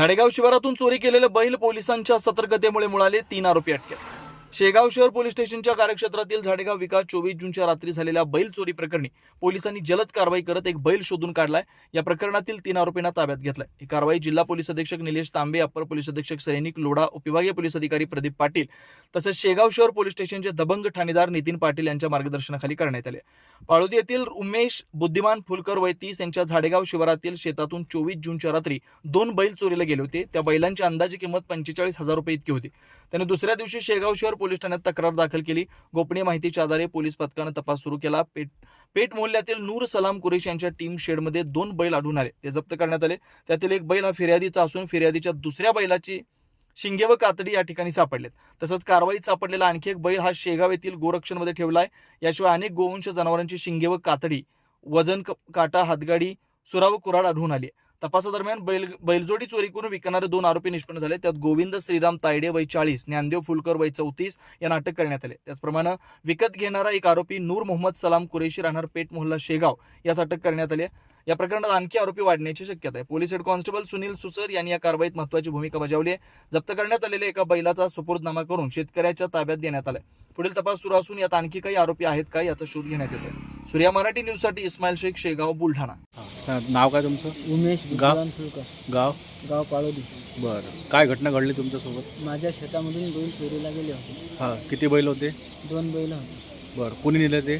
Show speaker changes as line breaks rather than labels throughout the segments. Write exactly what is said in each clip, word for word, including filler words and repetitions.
झाडेगाव शिवारातून चोरी केलेले बैल पोलिसांच्या सतर्कतेमुळे मिळाले, तीन आरोपी अटकेत। शेगाव शहर पोलीस स्टेशनच्या कार्यक्षेत्रातील झाडेगाव विकास चोवीस जूनच्या रात्री झालेल्या बैल चोरी प्रकरणी पोलिसांनी जलद कारवाई करत एक बैल शोधून काढलाय। या प्रकरणातील तीन आरोपींना ताब्यात घेतलाय। ही कारवाई जिल्हा पोलीस अधीक्षक निलेश तांबे, अपर पोलीस अधीक्षक सैनिक लोढा, उपविभागीय पोलीस अधिकारी प्रदीप पाटील तसेच शेगाव शहर पोलीस स्टेशनचे दबंग ठाणेदार नितीन पाटील यांच्या मार्गदर्शनाखाली करण्यात आले। पाळोदी येथील उमेश बुद्धिमान फुलकर वय तीस यांच्या झाडेगाव शिवारातील शेतातून चोवीस जूनच्या रात्री दोन बैल चोरीला गेले होते। त्या बैलांची अंदाजे किंमत पंचेचाळीस हजार रुपये इतकी होती। त्याने दुसऱ्या दिवशी शेगाव शहर पोलीस ठाण्यात तक्रार दाखल केली। गोपनीय माहितीच्या आधारे पोलीस पथकाने तपास सुरू केला। पेट पेट मोहल्ल्यातील नूर सलाम कुरेश यांच्या टीम शेडमध्ये दोन बैल आढळून आले, ते जप्त करण्यात आले। त्यातील एक बैल हा फिर्यादीचा असून फिर्यादीच्या दुसऱ्या बैलाची शिंगे व कातडी या ठिकाणी सापडलेत। तसंच कारवाईत सापडलेला आणखी एक बैल हा शेगाव येथील गोरक्षणमध्ये ठेवलाय। याशिवाय अनेक गोवंश जनावरांची शिंगे व कातडी, वजन काटा, हातगाडी, सुरा व कुऱ्हाड आढळून आली। तपासादरम्यान बैल बैलजोडी चोरी करून विकणारे दोन आरोपी निष्पन्न झाले। त्यात गोविंद श्रीराम तायडे वय चाळीस, ज्ञानदेव फुलकर वय चौतीस यांना अटक करण्यात आले। त्याचप्रमाणे विकत घेणारा एक आरोपी नूर मोहम्मद सलाम कुरेशी राहणार पेठ मोहल्ला शेगाव यास अटक करण्यात आली। या प्रकरणात आणखी आरोपी वाढण्याची शक्यता आहे। पोलीस हेड कॉन्स्टेबल सुनील सुसर यांनी या कारवाईत महत्त्वाची भूमिका बजावली आहे। जप्त करण्यात आलेल्या एका बैलाचा सुपूर्दनामा करून शेतकऱ्याच्या ताब्यात देण्यात आलाय। पुढील तपास सुरू असून यात आणखी काही आरोपी आहेत का याचा शोध घेण्यात येतोय। सूर्या मराठी न्यूज साठी इस्माईल शेख, शेगाव, बुलढाणा।
नाव काय तुमचं?
उमेश बुद्धिमान फुलकर,
गाव
गाव पाळोदी।
बरं, काय घटना घडली तुमच्यासोबत?
माझ्या शेतामधून बैल चोरीला गेले होते।
हां, किती बैल होते?
दोन बैल होते।
बरं, कोणी नेले ते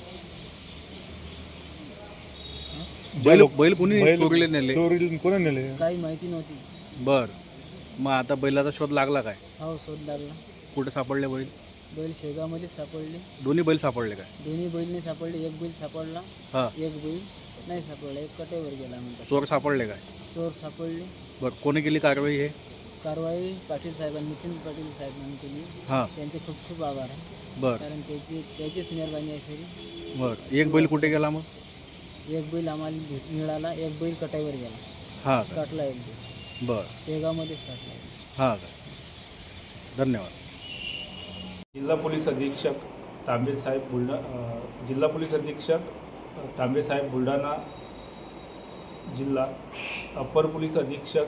बैल? बैल कोणी चोरीले नेले?
चोरी कोणी नेले
काही माहिती नव्हती।
बरं, मग आता बैलाचा शोध लागला काय?
हो, शोध लागला।
कुठे सापडले बैल?
बैल शेगावमध्ये सापडले।
दोन्ही बैल सापडले काय?
दोन्ही बैल नाही सापडले, एक बैल सापडला,
हां,
एक बैल नाही सापडला, एक कटेवर गेला म्हणतात।
चोर सापडले काय?
चोर सापडले।
बरं, कोणी केली कारवाई? हे
कारवाई पाटील साहेबांनी, नितीन पाटील साहेबांनी केली।
हां,
त्यांचे खूप खूप आभार आहे,
बरं
कारण त्याची त्याचीच मेहरबानी आहे सरी।
बरं, एक बैल कुठे गेला मग?
एक बैल आम्हाला भेट मिळाला, एक बैल कटाईवर गेला,
हां,
काटला एक बैल,
बरं,
शेगावमध्येच काटला।
हां, धन्यवाद।
जिल्हा पोलीस अधीक्षक तांबे साहेब बुलढा जिल्हा पोलीस अधीक्षक तांबे साहेब बुलढाणा जिल्हा, अपर पोलीस अधीक्षक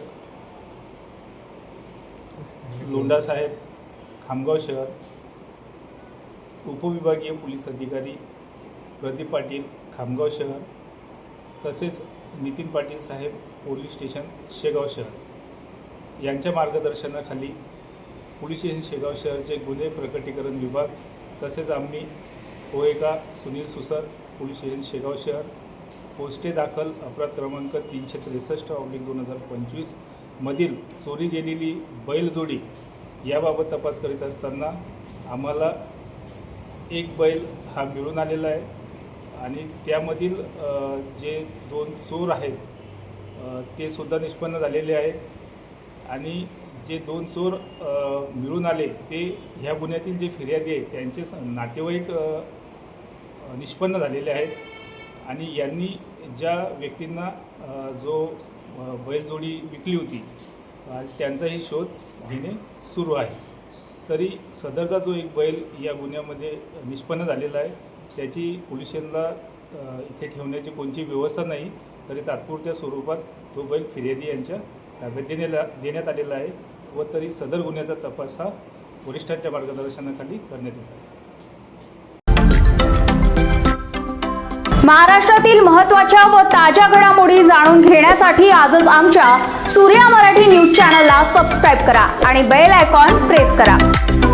लोंढा साहेब खामगाव शहर, उपविभागीय पोलीस अधिकारी प्रदीप पाटील खामगाव शहर तसेच नितीन पाटील साहेब पोलीस स्टेशन शेगाव शहर यांच्या मार्गदर्शनाखाली पोलीस स्टेशन शेगाव शहरचे गुन्हे प्रकटीकरण विभाग तसेच आम्ही ओएका सुनील सुसर पोलीस स्टेशन शेगाव शहर पोस्टे दाखल अपराध क्रमांक तीनशे त्रेसष्ट ऑब्लिक दोन हजार पंचवीस मधील चोरी गेलेली बैलजोडी याबाबत तपास करीत असताना आम्हाला एक बैल हा मिळून आलेला आहे आणि त्यामधील जे दोन चोर आहेत ते सुद्धा निष्पन्न झालेले आहेत आणि जे दोन चोर मिळून आले ते ह्या गुन्ह्यातील जे फिर्यादी आहेत त्यांचे नातेवाईक निष्पन्न झालेले आहेत आणि यांनी ज्या व्यक्तींना जो बैलजोडी विकली होती त्यांचाही शोध घेणे सुरू आहे। तरी सदरचा जो एक बैल या गुन्ह्यामध्ये निष्पन्न झालेला आहे त्याची पोलीस स्टेशनला इथे ठेवण्याची कोणती व्यवस्था नाही, तरी तात्पुरत्या स्वरूपात तो बैल फिर्यादी यांच्या ताब्यात देण्याला देण्यात आलेला आहे व तरी सदर गुन्ह्याचा तपास हा वरिष्ठांच्या मार्गदर्शनाखाली करण्यात येत आहे।
महाराष्ट्रातील महत्त्वाच्या व ताज्या घडामोडी जाणून घेण्यासाठी आजच आमच्या सूर्या मराठी न्यूज चॅनलला सबस्क्राईब करा आणि बेल आयकॉन प्रेस करा।